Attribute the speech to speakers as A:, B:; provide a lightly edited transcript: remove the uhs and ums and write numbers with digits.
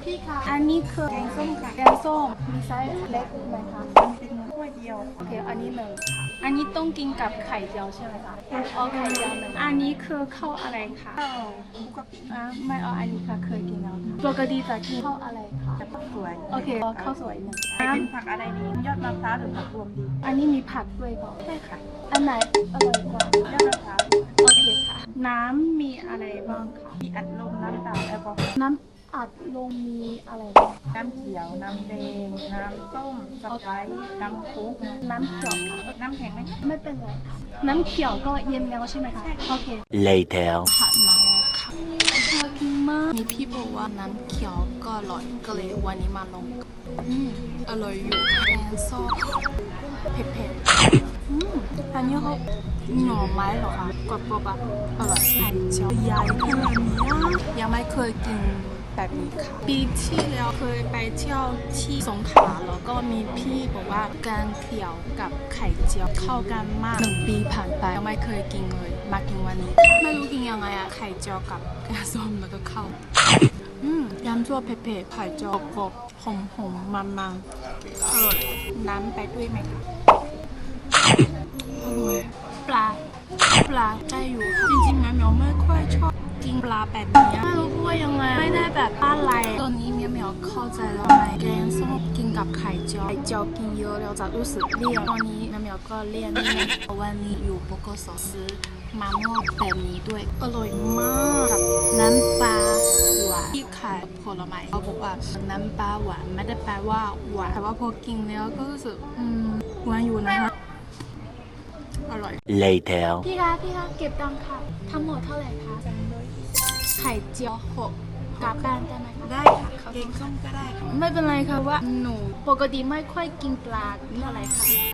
A: พี่คะอันนี้คือแกงส้มค่ะแกงส้มมีไซส์เล็กไหมคะมันเป็นถ้วยเดียวโอเคอันนี้หนึ่งค่ะอันนี้ต้องกินกับไข่เจียวใช่ไหมคะเอาไข่เจียวหนึ่งอันนี้คือข้าวอะไรคะข้าวคุกกะปิไม่เอาอันนี้ค่ะเคยกินแล้วค่ะปกติจะกินข้าวอะไรคะข้าวสวยโอเคข้าวสวยหนึ่งเป็นผักอะไรดียอดมะพร้าวหรือผักรวมดีอันนี้มีผักด้วยก่อนใช่ค่ะอันไหนอร่อยกว่ายอดมะพร้าวโอเคค่ะน้ำมีอะไรบ้างคะมีอัดลมน้ำเปล่าแอลกอฮอล์น้ำอัดลมมีอะไรบ้างน้ำเขียวน้ำแดงน้ำส้มสไปซ์น้ำคุกน้ำเขียวค่ะน้ำแข็งไหมไม่เป็นไรค่ะน้ำเขียวก็เย็นแล้วใช่ไหมคะโอเค
B: Later
A: ผัดมาแล้วค่ะชอบกินมากมีพี่บอกว่าน้ำเขียวก็อร่อยก็เลยวันนี้มาลองอร่อยอยู่แกงส้มเผ็ดๆอันนี้เขาหน่อไม้เหรอคะกรอบๆแบบอร่อยไข่เจียวใหญ่ขนาดนี้ยังไม่เคยกินแบบนี้ค่ะปีที่แล้วเคยไปเที่ยวที่สงขลาแล้วก็มีพี่บอกว่าแกงเขียวกับไข่เจียวเข้ากันมาก1 ปีผ่านไปยังไม่เคยกินเลยมากินวันนี้ไม่รู้กินยังไงอะไข่เจียวกับแกงส้มแล้วก็ข้าวยำชั่วเผ็ดๆไข่เจียวกรอบหอมๆมันๆอร่อยน้ำไปด้วยไหมคะอร่อยปลาได้อยู่จริงๆแมวไม่ค่อยชอบกินปลาแบบนี้ไม่รู้ว่ายังไงไม่ได้แบบอะไรตอนนี้แมวเข้าใจแล้วไหมแกงส้มกินกับไข่เจียวกินเยอะแล้วจะรู้สึกเลี่ยนตอนนี้แมวก็เลี่ยนนิดนึงวันนี้อยู่โบโกสซื้อมาม่วงแบบนี้ด้วยอร่อยมากกับน้ำปลาหวานที่ขายผลไม้เขาบอกว่าน้ำปลาหวานไม่ได้แปลว่าหวานแต่ว่าพอกินแล้วก็รู้สึกหวานอยู่นะคะอร่อย
B: Later
A: พี่คะเก็บตังค่ะทั้งหมดเท่าไหร่คะไข่เจียว6กลับบ้านได้ไหมคะได้ค่ะแกงส้มก็ได้ค่ะไม่เป็นไรค่ะว่าหนูปกติไม่ค่อยกินปลาเท่าไหร่ค่ะ